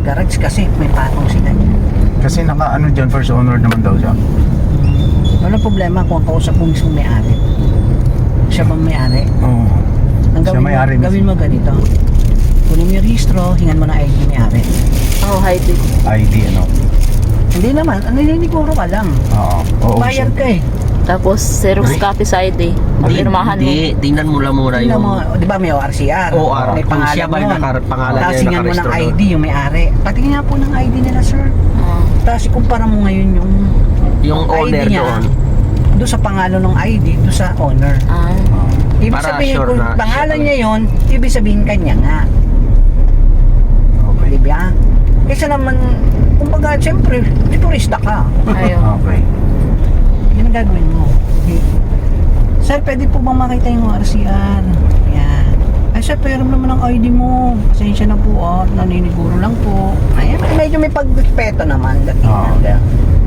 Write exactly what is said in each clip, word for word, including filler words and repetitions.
garage kasi may patong sila dyan. Kasi naka ano dyan, first owner naman daw siya. Wala problema kung ang kausap mo mismo may-ari. Siya bang may-ari? Oo. Ang Siya gawin, may-ari mo, gawin mo ganito. Kunin mo yung registro, hingan mo ng I D may-ari. Oh, hi, Dick. I D ano. Hindi naman, ano nininiguro ka lang. Oo. Oo. Bayad ka eh. Tapos, Xerox copy sa I D. Pirmahan mo. Hindi, tingnan mo lang muna Tingnan yung... mo, di ba may O R C R? O R, May kung pangalan siya ba yung nun. naka- pangalan Tapos niya hingan mo ng nakarehistro I D doon. yung may-ari. Patingin nga po ng I D nila, sir. Oh. Tapos ikumpara mo ngayon yung Yung I D owner niya doon. doon sa pangalan ng I D, doon sa owner. Ah. Ibig Para sabihin sure kung na pangalan siya niya yon, ibig sabihin kanya nga. Okay. Di ba? Kaysa naman, kumbaga, siyempre, turista ka. Ayun. Okay. Yan ang gagawin mo. Okay. Sir, pwede po bang makita yung O R C R? Yan. Ay, sir, pero naman ang I D mo. Pasensya na po, ah. Naniniguro lang po. Ayan, medyo may pagrespeto naman. Oo. Dating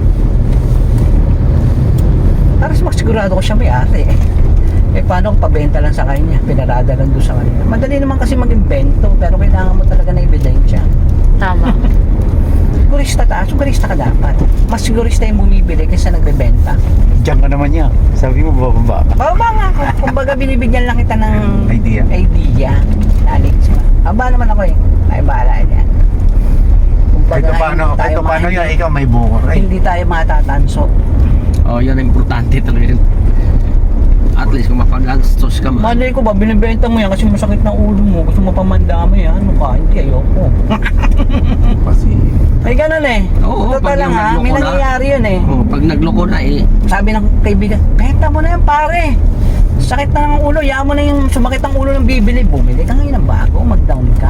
para mas magsigurado ko siya may-ari eh. Eh paano kung pabenta lang sa kanya, pinarada lang doon sa kanya. Madali naman kasi mag-invento, pero kailangan mo talaga na ebidensya. Tama. Sigurista ta, sigurista ka dapat. Mas sigurista yung bumibili kaysa nagbebenta. Diyan ka naman niya. Sabi mo bababa ka. Bababa nga ako. Kumbaga binibigyan lang kita ng Idea. idea. Alex ba? Aba naman ako eh. Ay bahala yan. Kahit paano, hindi kahit tayo paano ma- yan, ikaw may bukor eh. Hindi tayo matatanso. Oh, yan ang importante talaga yun. At least kung mapag-gastos ka man. Malay ko ba, binibenta mo yan kasi masakit ng ulo mo. Gusto mo pamandami yan. Ano ka? Hindi, ayoko. Kasi, Ay ganun eh. Oo, Totoo pag lang yung ha. nagloko May na. nangyayari yun eh. Oh, pag nagloko na eh. Sabi ng kaibigan, benta mo na yan pare. Sakit na ng ulo. Yaman mo na yung sumakit ang ulo ng bibili. Bumili ka ngayon ng bago. Mag-down ka.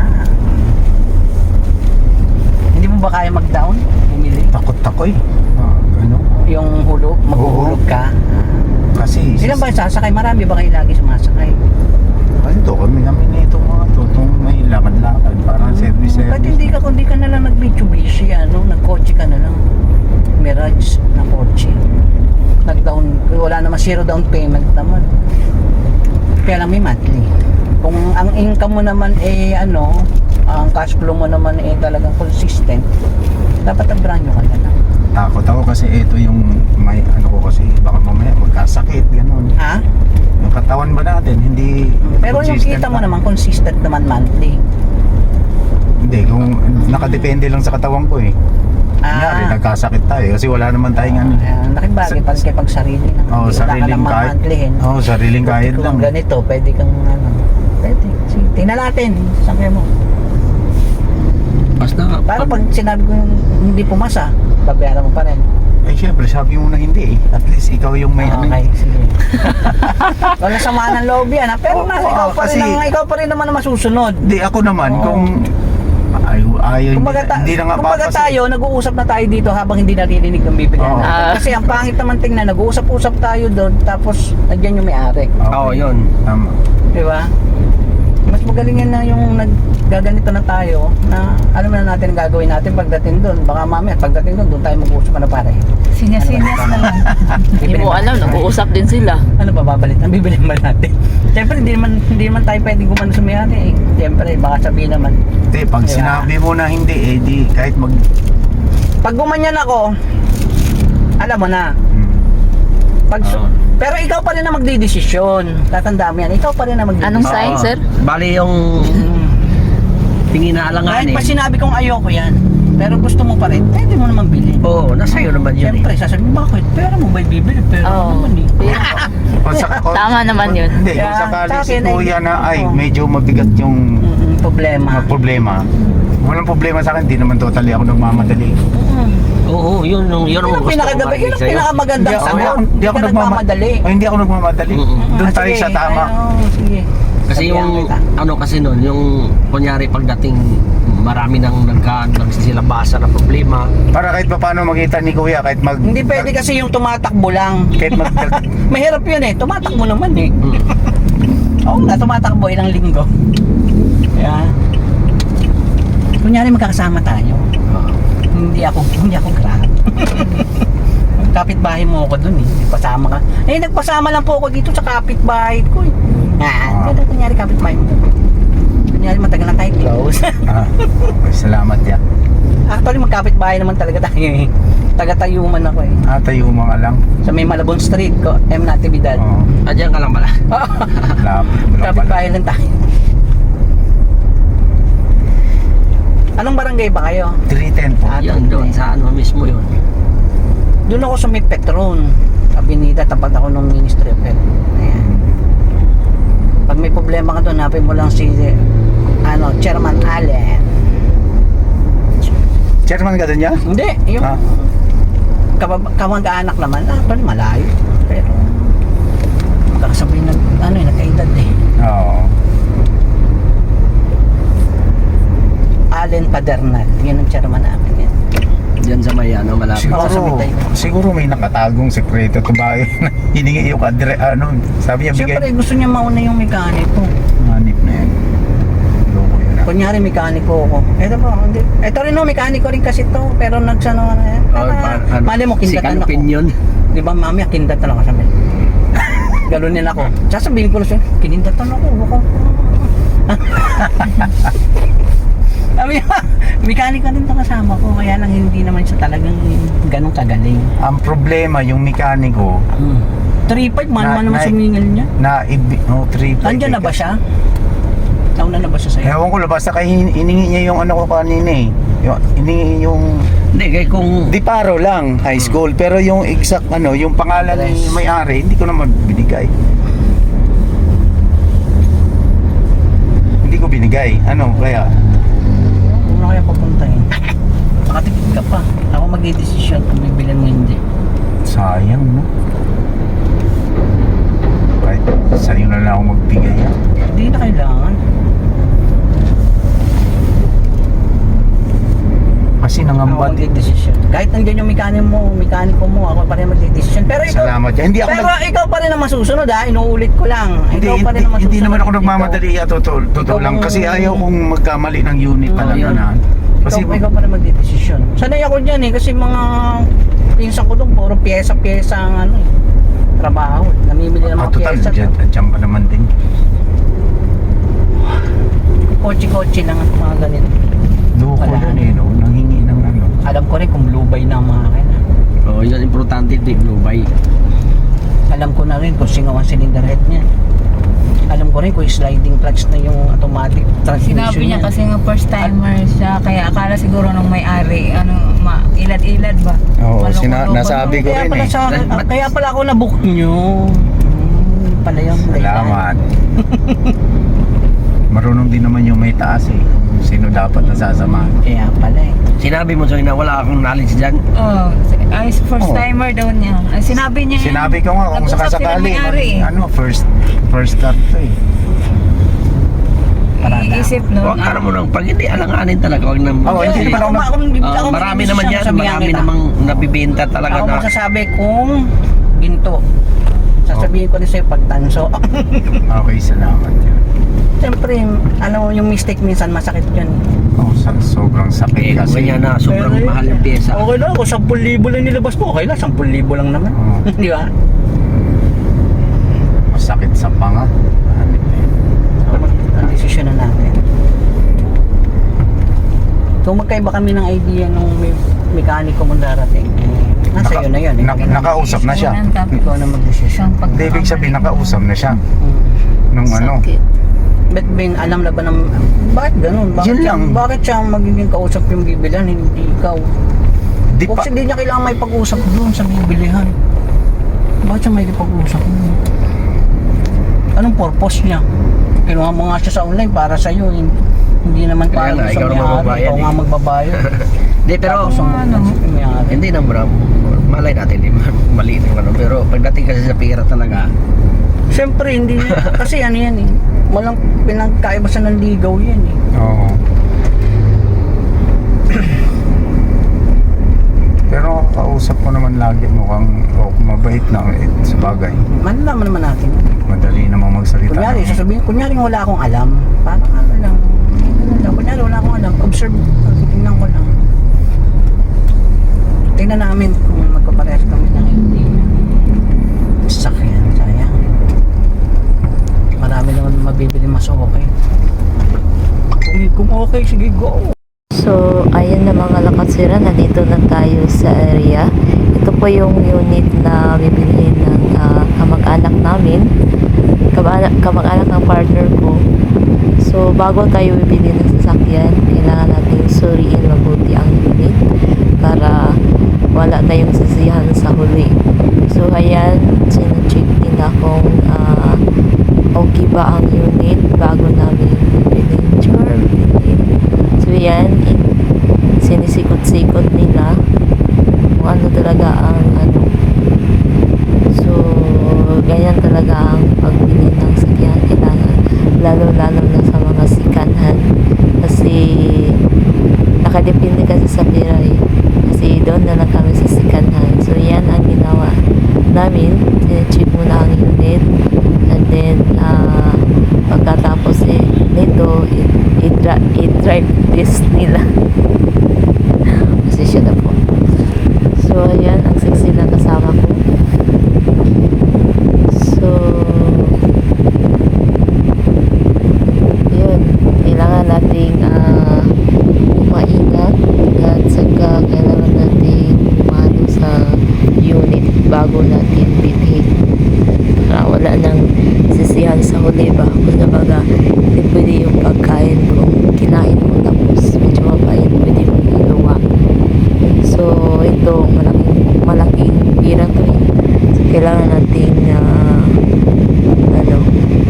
Hindi mo ba kaya mag-down? Bumili. takot ako eh. Ah, ano? Yung hulog, maghuhulog ka. Kasi, Ilan ba yung sasakay? Marami ba kayo lagi sumasakay? Ano to, kami namin na itong mga to, itong may lakad-lakad, parang Ba't service-service. hindi ka, kung di ka na lang nag-Mitsubishi, ano, nag-kotse ka na lang. Mirage na kotse. Nag-down, wala naman zero down payment naman. Kaya lang may monthly. Kung ang income mo naman eh ano, ang cash flow mo naman eh talagang consistent, dapat ang brand nyo ka na lang. Takot ako kasi ito yung may ano ko kasi baka mamaya magkasakit, gano'n. Ha? Yung katawan ba natin, hindi Pero yung consistent kita mo na. naman, consistent naman monthly. Hindi, kung nakadepende lang sa katawan ko eh. Kunyari, Ah, nagkasakit tayo kasi wala naman tayong ano. uh, nakibagay pag kay pag sarili na. Oo, Wala ka sariling lang kahit. mamantlihin. Oo, sariling kahit Kung lang. ganito, pwede kang ano, pwede. Sige, tingnan natin. Sabi mo. Basta, Pero pag sinabi ko yung hindi pumasa, babayaran mo pa rin. Eh syempre, sabi mo na hindi eh. At least ikaw yung may ano. Okay, sige. Wala sama ng loob yan, ha? Pero Oo, nasa oo, ikaw pa rin, kasi- ang, ikaw pa rin naman ang masusunod. Hindi, ako naman, Oo. kung ayaw, ayaw Kumbaga, hindi, ta- hindi na nga kumbaga papasa- tayo, nag-uusap na tayo dito habang hindi naririnig ng bibig Oo. natin. Ah. Kasi ang pangit naman tingnan, nag-uusap-usap tayo doon, tapos nandiyan yung may-ari. Okay. Oo, yun. Tama. Di ba? Mas magaling yan na yung naggaganito na tayo na alam na natin ang gagawin natin pagdating doon. Baka mamaya pagdating doon, doon tayo mag-uusap na pare. Sinyas-sinyas na lang. Hindi mo alam, nag-uusap din sila. Ano ba babalit? Ang bibilin ba natin? Siyempre hindi naman hindi naman tayo pwedeng gumano sa may-ari eh. Siyempre baka sabihin naman. Hindi, pag Diba? sinabi mo na hindi, eh di kahit mag... Pag gumanyan ako, alam mo na. Hmm. Pag su- Oo. Pero ikaw pa rin na magdidesisyon. Tatandaan mo yan. Ikaw pa rin na magdidesisyon. Anong sign, Oo. sir? Bali yung Mm. tingin na Kahit alanganin. pa sinabi kong ayoko yan, pero gusto mo pa rin, pwede mo naman bilhin. Oo, nasa iyo naman yun Siyempre, eh. sasabihin, bakit? Pera mo ba bibili? Pera mo Oo. naman eh. Kung sa- kung- Tama naman yun. Hindi, kung Kaya, sakali sa si akin ay- Kuya na ay Oo. medyo mabigat yung Mm-mm, problema. uh, problema. Walang problema sa akin, hindi naman totally ako nagmamadali. Mm. Oo, yun, yun, yun Yun ang ang gusto ko pinakagabi, yun marinig ang sa'yo. pinakamagandang Hindi ako, sagot. hindi ako Hindi ka nagmamadali. Ay, hindi ako nagmamadali. Mm-mm. Doon Ah, tayo sige. sa tama. Ay, oo, sige. Kasi Sabihan yung, kita. ano kasi nun, yung kunyari pagdating marami nang nagka, nagsisilabasa na problema. Para kahit pa paano makita ni Kuya, kahit mag... Hindi pwede kasi yung tumatakbo lang. Kahit mag... Mahirap yun eh. Tumatakbo naman eh. Mm. Oo nga, tumatakbo ilang linggo. Kaya, kunyari magkakasama tayo. Hindi ako, hindi ako grab. Kapitbahay mo ako dun eh. Pasama ka. Eh, nagpasama lang po ako dito sa kapitbahay ko eh. Ah, kaya kunyari kapitbahay mo. Kunyari matagal na tayo close. ah, okay, salamat ya. Actually, magkapit-bahay naman talaga tayo eh. Taga-Tayuman ako eh. Ah, tayo mga lang. Sa may Malabon Street ko, M. Natividad. Oo. Ah, dyan ka lang pala. Lapit mo lang pala. Kapit-bahay lang tayo. Anong barangay ba kayo? three ten po. Ah, Yan doon, sa ano mismo yun. Doon ako sa may Petron. Abinida, tapat ako ng Ministry of Health. Ayan. Pag may problema ka doon, hapin mo lang si ano, Chairman Allen. Chairman ka doon niya? Hindi, yung Ah. kabab- kamag-anak naman, ah, actually malayo. Pero, magkakasabay na, ano eh, nagkaedad eh. Oo. Allen Padernal, yun ang chairman namin yan. Dyan sa may ano, malapit. Oo, sa Siguro, Bitay. siguro may nakatagong sekreto to ba? Hiningi yung kadre, ano, sabi niya Siyempre, bigay. gusto niya mauna yung mekaniko. Manip na yan. Loko yun ah. Kunyari, mekaniko ako. Eto po, hindi. Eto rin no, mekaniko rin kasi to. Pero nagsano na yan. Oh, pa- ano, Mali mo, si kindatan ako. Kanupin yun. Di ba, mami, kindatan ako sabi. Galunin ako. Sasabihin ko na siya, kinindatan ako. Ako. Sabi niya, mekaniko rin to kasama ko. Kaya lang hindi naman siya talagang ganun kagaling. Ang problema, yung mekaniko, Hmm. three five, man Na- man naman na- sumingal niya. na ibi, no, three Nandiyan na ba siya? Nauna na ba siya sa'yo? Ewan ko, basta kay hiningi niya yung ano ko kanina eh. Yung, hiningi yung, Hindi, kaya kung... di paro lang, high school. Pero yung exact ano, yung pangalan ni Address. may-ari, hindi ko naman binigay. Hindi ko binigay. Ano, kaya? Huwag na kaya papuntahin. Makatipid ka pa. Ako mag-i-desisyon kung bibilan mo hindi. Sayang, no? Kahit sa'yo na lang ako magbigay ah. Hindi na kailangan. Kasi Ako nangamba din. mag-i-desisyon. Kahit nandiyan yung mekaniko mo, mekaniko mo, ako pa rin mag-i-desisyon. Pero ikaw, Salamat yan. Hindi ako pero nag... ikaw pa rin ang masusunod ha. Inuulit ko lang. Hindi, ikaw pa rin hindi, ang masusunod. hindi naman ako Ikaw- nagmamadali ah, totoo, totoo Ikaw lang. ang- Kasi ayaw kong magkamali ng unit Oo, talaga yun. na. Kasi ikaw, ikaw pa rin mag-i-desisyon. Sanay ako dyan eh. Kasi mga pinsan ko doon, puro pyesa-pyesa ang ano eh. Trabaho. Namimili ng ah, mga total, pyesa. dyan, dyan ka naman din. Kotse-kotse lang at mga ganito. Loko Wala. yun eh, no? Nanghingi ng ano. Alam ko rin kung blue bay na ang mga akin. Oh, yun, importante di Blue Bay. Alam ko na rin kung sino ang cylinder head niya. Alam ko rin kung sliding clutch na yung automatic transmission Sinabi niya kasi nga first timer siya, kaya akala siguro nung may-ari, ano, ma, ilad-ilad ba? Oo, Maloko-loko. sina- nasabi ko Kaya rin pala, eh. sa, But- kaya pala ako nabook nyo. Hmm, pala yung Salamat. Marunong din naman yung may taas eh. Kung sino dapat nasasamahan. Kaya pala eh. Sinabi mo sa'yo na wala akong knowledge dyan. Oh, ay, first Oo. timer daw niya. Ay, sinabi niya. Sinabi ko nga kung nag-usap sila sakasakali, may-ari eh. ano, first first start to eh. Parada. Iisip no. Huwag ka mo nang pag hindi alanganin talaga. Huwag nang... Oo, hindi naman ako mag- ako, Ah, ako marami mag-desisyon, naman yan. sasabihan Marami kita. namang nabibenta talaga Ako na... magsasabi kung ginto. Sasabihin ko rin sa'yo pag tanso. Okay, salamat yun. Siyempre, alam mo yung mistake minsan masakit yun. Oh, sa, sobrang Eh, sakit kung kasi. ganyan na sobrang Pero, mahal yung pyesa. Okay lang, kung ten libo lang nilabas ko, okay lang, ten libo lang naman. Oo. Di ba? Masakit sa panga. Ano eh. Ang desisyon na natin. Kung magkaiba kami ng idea nung may mekaniko mong darating, eh, nasa Naka- iyo na yun. eh. na- nakausap na siya. Ikaw na mag-desisyon. Hindi, ibig sabihin, nakausap na siya. Hmm. Nung ano. Bet Ben, alam na ba ng... Bakit ganun? Bakit Yun siya, lang. bakit siya ang magiging kausap yung bibilihan, hindi ikaw? Di Kung pa, hindi niya kailangan may pag-usap doon sa bibilihan. Bakit siya may pag-usap doon? Anong purpose niya? Kinuha mo nga siya sa online para sa'yo. Hindi, hindi naman Kaya para nga, sa ikaw na may-ari. magbabayad Ikaw eh. nga magbabayad. Hindi, pero... Tapos ang ano? sa may-ari. Hindi na bro. Malay natin, di ba? Mali na yung ano. Pero pagdating kasi sa pera talaga, Siyempre, hindi. Kasi ano yan eh. Walang pinagkaiba sa nanligaw yan eh. oo. Pero kausap ko naman lagi mukhang oh, mabait na eh, sa bagay. Malalaman naman natin. Madali namang magsalita. Kunyari, ng- sasabihin, kunyari wala akong alam. Parang ano lang. Ano lang. Kunyari wala akong alam. Observe. Tingnan ko lang. Tingnan namin kung magkaparehas kami ng hindi. Sakyan. Sayang. Marami naman mabibili mas okay. Kung, kung okay, sige go. So, ayun na mga lakatsira, nandito na tayo sa area. Ito po yung unit na bibilhin ng ah, kamag-anak namin. Kamag-anak, kamag-anak ng partner ko. So, bago tayo bibili ng sasakyan, kailangan natin suriin mabuti ang unit para wala tayong sisihan sa huli. So, ayan, sinacheck din akong uh, okay ba ang unit bago namin bibili. Char, bibili. So, yan, sinisikot-sikot nila kung ano talaga ang ano. So, ganyan talaga ang pagbili ng sakyan. Kailangan, lalo-lalo na sa mga sikanhan. Kasi, nakadepende kasi sa pera eh. Kasi doon na lang kami sa sikanhan. So, yan ang ginawa namin. Sinecheck muna ang unit. And then, uh, pagkatapos eh, nito, i-drive test nila. Kasi siya na po. So, ayan, ang sexy na kasama ko. So, yun, kailangan nating uh, maingat at saka kailangan nating umano sa unit bago natin bilhin. Para wala nang sisihan sa huli ba. Kung nabaga, hindi pwede yung pagkain kung kinain mo tapos medyo mapait, pwede mo iluwa. So, ito, malaking, malaking pira to eh. So, kailangan nating uh, ano,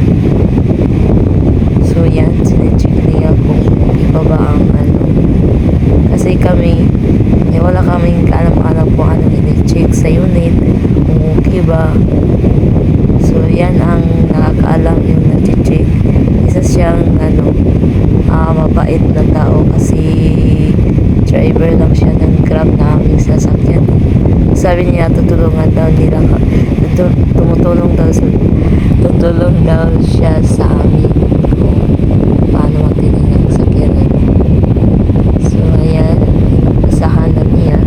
so yan, sinecheck niya kung iba ba ang ano. Kasi kami, eh, wala kaming kaalam-alam kung ano i-check sa unit, kung okay ba. So, yan ang nakakaalam yung nag-check. Isa siyang ano, uh, mabait na tao kasi driver lang siya ng Grab na aming sasakyan. Sabi niya, tutulungan daw nila ka, tutu- tumutulong daw sa, tutulong daw siya sa amin kung paano magpili ng sakyanan. So, ayan, inasahan na niya.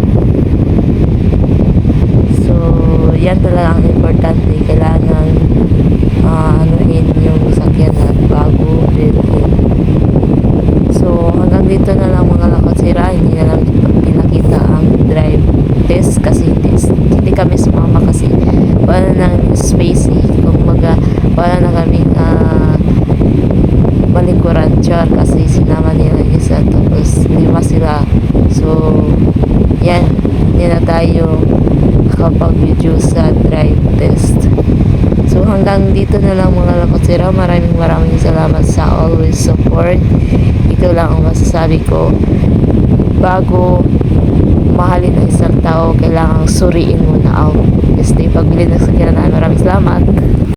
So, yan talaga ang importante. Kailangan uh, anuhin yung sakyanan bago bilhin. So, hanggang dito na lang mga lakatsira. Hindi na lang pinakita ang drive test kasi test. Hindi kami sumama kasi wala nang space eh. Kung maga, wala na kami uh, balikuran char kasi sinama nila isa tapos lima sila. So, yan. Hindi na tayo nakapag-video sa drive test. So, hanggang dito na lang mga lakatsira. Maraming maraming salamat sa always support. Ito lang ang masasabi ko. Bago mahalin ang isang tao, kailangang suriin mo na out. Kasi pagbili ng sakyanan, maraming salamat.